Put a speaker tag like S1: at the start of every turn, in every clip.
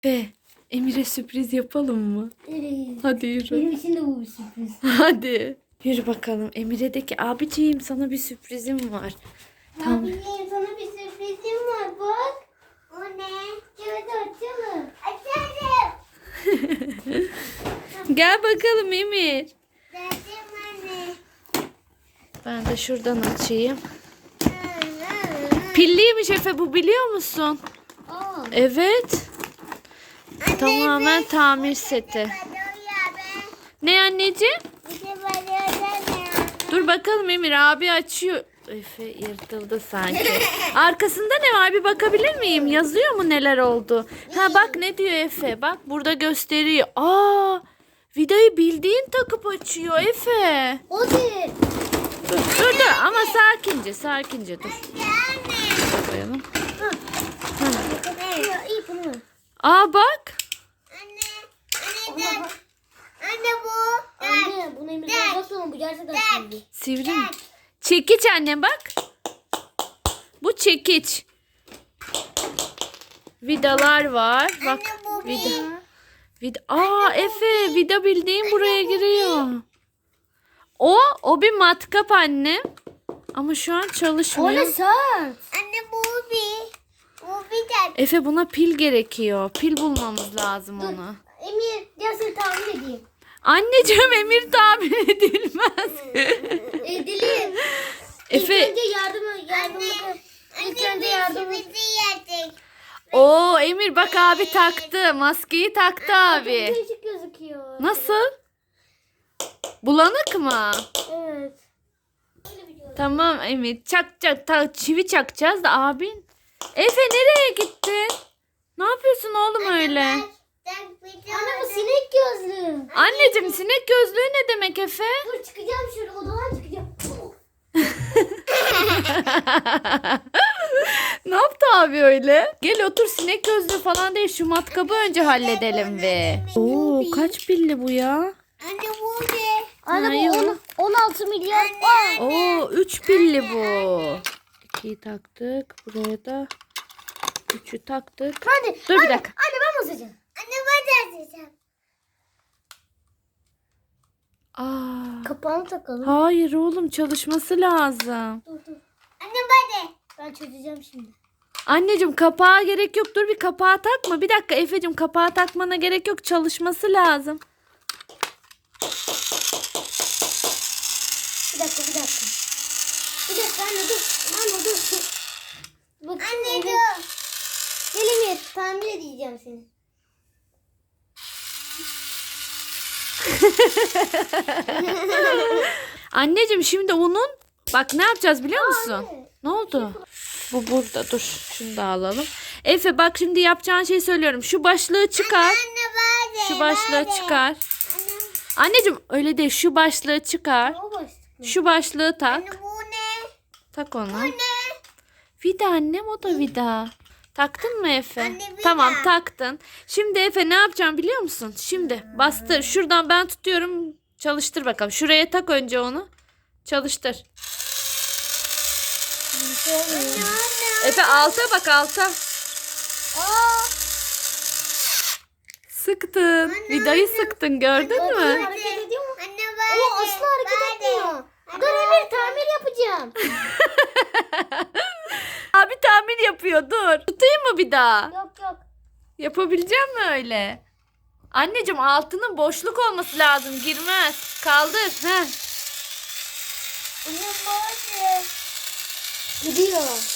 S1: Ve Emir'e sürpriz yapalım mı?
S2: Evet.
S1: Hadi yürü.
S2: Benim için de bu bir sürpriz.
S1: Hadi. Yürü bakalım. Emir'e de ki abiciğim sana bir sürprizim var. Tamam.
S2: Abiciğim sana bir sürprizim var bak. O ne? Evet açalım. Açalım.
S1: Gel bakalım Emir.
S2: Dedim anne.
S1: Ben de şuradan açayım. Pilliymiş Efe, bu biliyor musun?
S2: Aa.
S1: Evet. Tamamen tamir seti. Ne anneciğim? Dur bakalım Emir, abi açıyor. Efe yırtıldı sanki. Arkasında ne var bir bakabilir miyim? Yazıyor mu neler oldu? Ha bak ne diyor Efe. Bak burada gösteriyor. Aa, vidayı bildiğin takıp açıyor Efe.
S2: O değil.
S1: Dur ama sakince dur. Koyalım.
S2: İyi bunu.
S1: Aa bak.
S2: Anne bu. Anne bunu Emir'den uzak olun. Bu gerçekten şimdi.
S1: Sivri mi? Çekiç anne bak. Bu çekiç. Vidalar var. Bak vida. Aa Efe, vida bildiğin buraya giriyor. O bir matkap anne. Ama şu an
S2: O
S1: çalışmıyor.
S2: ne sert? Anne bu bir. Bu bir de.
S1: Efe buna pil gerekiyor. Pil bulmamız lazım onu.
S2: Emir gel seni tamir edeyim.
S1: Anneciğim Emir tamir edilmez.
S2: Edelim.
S1: Efe.
S2: İlk önce yardım. İlk önce yardım.
S1: Oo Emir bak abi taktı. Maskeyi taktı abi.
S2: Değişik gözüküyor.
S1: Nasıl? Bulanık mı?
S2: Evet.
S1: Tamam Emir. Çivi çakacağız da abin. Efe nereye gittin? Ne yapıyorsun oğlum öyle?
S2: Anne bu sinek gözlü.
S1: Anneciğim sinek gözlüğü ne demek Efe?
S2: Dur çıkacağım şöyle odadan çıkacağım.
S1: Ne yaptı abi öyle? Gel otur, sinek gözlüğü falan değil, şu matkabı önce halledelim ve. Oo kaç pilli bu ya?
S2: Anne bu ne? Anne
S1: Hayır.
S2: bu 16 milyon. Aa.
S1: Oo 3 pilli bu. 2'yi taktık. Buraya da 3'ü taktık.
S2: Hadi.
S1: Dur bir dakika.
S2: Anne ben basacağım. Anne ben de basacağım.
S1: Aa,
S2: Kapağını takalım.
S1: hayır oğlum, çalışması lazım.
S2: Dur. Anne ben de. Ben çözeceğim şimdi.
S1: Anneciğim kapağa gerek yok. Dur bir kapağı takma. Bir dakika Efe'cim, kapağı takmana gerek yok. Çalışması lazım.
S2: Bir dakika. Bir dakika anne dur. Anne dur. Bak, anne dur. Gel Emir tamir edeceğim seni.
S1: Anneciğim şimdi onun, bak ne yapacağız biliyor musun?
S2: Anne.
S1: Ne oldu? Bu burada, dur. Şunu da alalım. Efe bak şimdi yapacağın şeyi söylüyorum. Şu başlığı çıkar.
S2: Anne ben de.
S1: Şu başlığı çıkar. Anneciğim öyle değil. Şu başlığı çıkar.
S2: O başlık.
S1: Şu başlığı tak.
S2: Anne bu ne?
S1: Tak onu.
S2: Bu ne?
S1: Vida annem, o da vida. Taktın mı Efe?
S2: Anne, vida.
S1: Tamam taktın. Şimdi Efe ne yapacağım biliyor musun? Şimdi bastır. Şuradan ben tutuyorum. Çalıştır bakalım. Şuraya tak önce onu. Çalıştır. Efe alta bak, alta.
S2: Aa.
S1: Sıktın. Vidayı sıktın, gördün mü?
S2: Hareket ediyor mu? Anne ben de. O asla hareket etmiyor. Dur Emir tamir yapacağım.
S1: Abi tamir yapıyor, dur. Tutayım mı bir daha?
S2: Yok.
S1: Yapabilecek mi öyle? Anneciğim altının boşluk olması lazım. Girmez. Kaldır. Heh.
S2: Anne böyle. Gidiyor.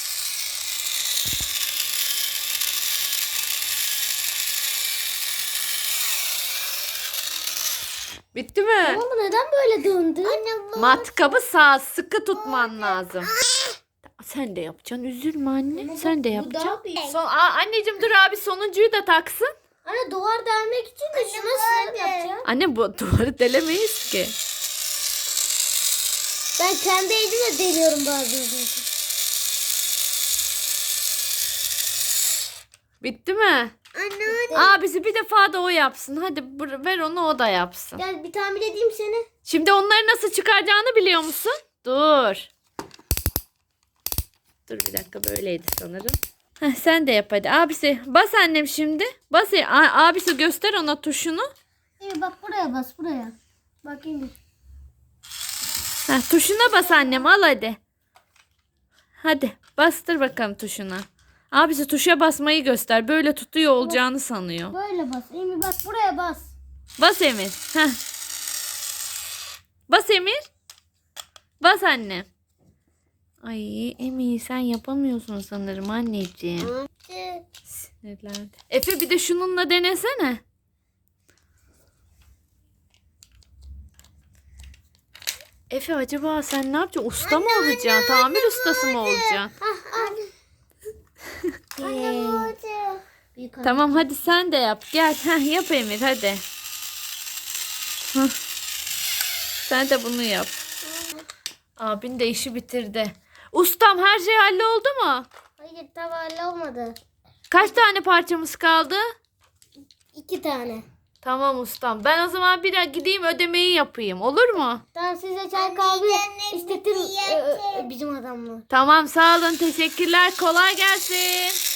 S1: Bitti mi?
S2: Ama bu neden böyle döndü? Anne bu.
S1: Matkabı sağ sıkı tutman lazım. Sen de yapacaksın. Üzülme anne. Sen de yapacaksın. Anneciğim dur, abi sonuncuyu da taksın.
S2: Anne duvar delmek için de şunu nasıl yapacağım?
S1: Anne bu duvarı delemeyiz ki.
S2: Ben kendi elimle deliyorum bazen.
S1: Bitti mi?
S2: Anne.
S1: Abisi bir defa da o yapsın. Hadi ver onu, o da yapsın.
S2: Gel bir tamir edeyim seni.
S1: Şimdi onları nasıl çıkaracağını biliyor musun? Dur. Dur bir dakika, böyleydi sanırım. Heh, sen de yap hadi. Abisi bas annem şimdi. Bas. Abisi göster ona tuşunu.
S2: Emir bak buraya bas buraya. Bak Emir.
S1: Heh, tuşuna bas annem al hadi. Hadi bastır bakalım tuşuna. Abisi tuşa basmayı göster. Böyle tutuyor olacağını sanıyor.
S2: Böyle bas. Emir bak buraya bas.
S1: Bas Emir. Heh. Bas Emir. Bas anne. Ay Emir sen yapamıyorsun sanırım anneciğim. Sinirlendi. Efe bir de şununla denesene. Efe acaba sen ne yapacaksın? Usta mı olacaksın? Tamir ustası mı olacaksın? Tamam hadi sen de yap. Gel. Heh, yap Emir hadi. Heh. Sen de bunu yap. Abin de işi bitirdi. Ustam her şey halloldu mu?
S2: Hayır tam olmadı.
S1: Kaç tane parçamız kaldı?
S2: 2 tane.
S1: Tamam ustam. Ben o zaman bir gideyim ödemeyi yapayım. Olur mu?
S2: Tamam size çay kahve istedim bizim adamla.
S1: Tamam sağ olun. Teşekkürler. Kolay gelsin.